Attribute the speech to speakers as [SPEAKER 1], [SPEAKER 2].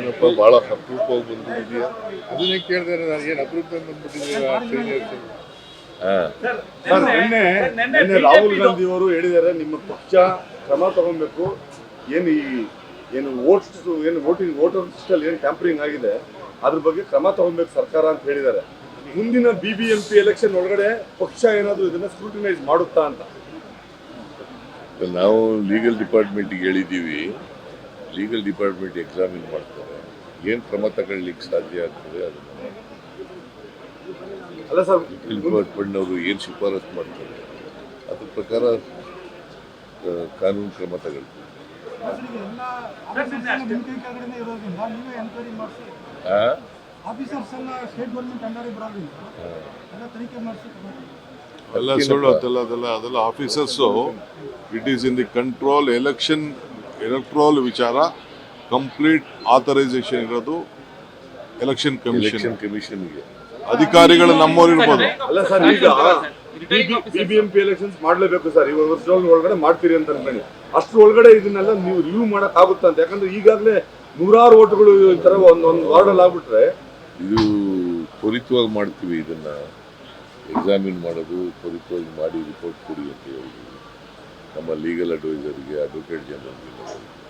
[SPEAKER 1] ಏನಪ್ಪ ಭಾಳ ಅಪರೂಪವಾಗಿ ಬಂದ್ಬಿಟ್ಟಿದೆಯಾ ಅದನ್ನೇ ಕೇಳಿದ್ರೆ ನಾನು ಏನು ಅಪರೂಪದಲ್ಲಿ ಬಂದ್ಬಿಟ್ಟಿದ್ದೀರಾ
[SPEAKER 2] ಸರ್ ನಿನ್ನೆ ರಾಹುಲ್ ಗಾಂಧಿ ಅವರು ಹೇಳಿದ್ದಾರೆ ನಿಮ್ಮ ಪಕ್ಷ ಕ್ರಮ ತಗೊಬೇಕು, ಏನು ವೋಟರ್ಸ್ ಏನು ಟ್ಯಾಂಪರಿಂಗ್ ಆಗಿದೆ ಅದ್ರ ಬಗ್ಗೆ ಕ್ರಮ ತಗೊಬೇಕು ಸರ್ಕಾರ ಅಂತ ಹೇಳಿದ್ದಾರೆ. ಮುಂದಿನ BBMP ಎಲೆಕ್ಷನ್ ಒಳಗಡೆ ಪಕ್ಷ ಏನಾದರೂ ಇದನ್ನ ಸ್ಕ್ರೂಟಿನೈಸ್ ಮಾಡುತ್ತಾ ಅಂತ
[SPEAKER 1] ನಾವು ಲೀಗಲ್ ಡಿಪಾರ್ಟ್ಮೆಂಟ್ಗೆ ಹೇಳಿದ್ದೀವಿ. ಲೀಗಲ್ ಡಿಪಾರ್ಟ್ಮೆಂಟ್ ಎಕ್ಸಾಮಿನ್ ಮಾಡ್ತಾರೆ, ಏನು ಕ್ರಮ ತಗೊಳ್ಳಿಕ್ಕೆ ಸಾಧ್ಯ ಆಗ್ತದೆ ಅದನ್ನು
[SPEAKER 2] ಅಲ್ಲ ಸರ್
[SPEAKER 1] ಡಿಪಾರ್ಟ್ಮೆಂಟ್ನವರು ಏನು ಶಿಫಾರಸು ಮಾಡ್ತಾರೆ ಅದ್ರ ಪ್ರಕಾರ ಕಾನೂನು ಕ್ರಮ ತಗೊಳ್ತೀವಿ. ಎಲ್ಲ ಸುಳ್ಳು ಅದೆಲ್ಲ officers it is in the control electoral ವಿಚಾರ ಕಂಪ್ಲೀಟ್ ಆಥರೈಸೇಷನ್ ಇರೋದು ಎಲೆಕ್ಷನ್ ಕಮಿಷನ್ಗೆ. ಅಧಿಕಾರಿಗಳು ನಮ್ಮವ್ರು ಇರ್ಬೋದು.
[SPEAKER 2] ಅಲ್ಲ ಸರ್, ಈಗ BBMP ಎಲೆಕ್ಷನ್ಸ್ ಮಾಡ್ಲೇಬೇಕು ಸರ್, ಈ ವರ್ಷದ ಒಳಗಡೆ ಮಾಡ್ತೀರಿ ಅಂತ ಅನ್ಕೊಳ್ಳಿ. ಅಷ್ಟ್ರ ಒಳಗಡೆ ಇದನ್ನೆಲ್ಲ ನೀವು ರಿವ್ಯೂ ಮಾಡಕ್ ಆಗುತ್ತಾ ಅಂತ? ಯಾಕಂದ್ರೆ ಈಗಾಗಲೇ 100 ಓಟ್ಗಳು ಈ ತರ ಒಂದೊಂದು ವಾರ್ಡಲ್ಲಿ ಆಗ್ಬಿಟ್ರೆ
[SPEAKER 1] ಇದು ತ್ವರಿತವಾಗಿ ಮಾಡ್ತೀವಿ. ಇದನ್ನ ಎಕ್ಸಾಮಿನ್ ಮಾಡೋದು ತ್ವರಿತವಾಗಿ ಮಾಡಿ ರಿಪೋರ್ಟ್ ಕೊಡಿ ಅಂತ ಹೇಳಿದ್ವಿ ನಮ್ಮ ಲೀಗಲ್ ಅಡ್ವೈಸರ್ಗೆ, ಅಡ್ವೊಕೇಟ್ ಜನರಲ್ಗೆ.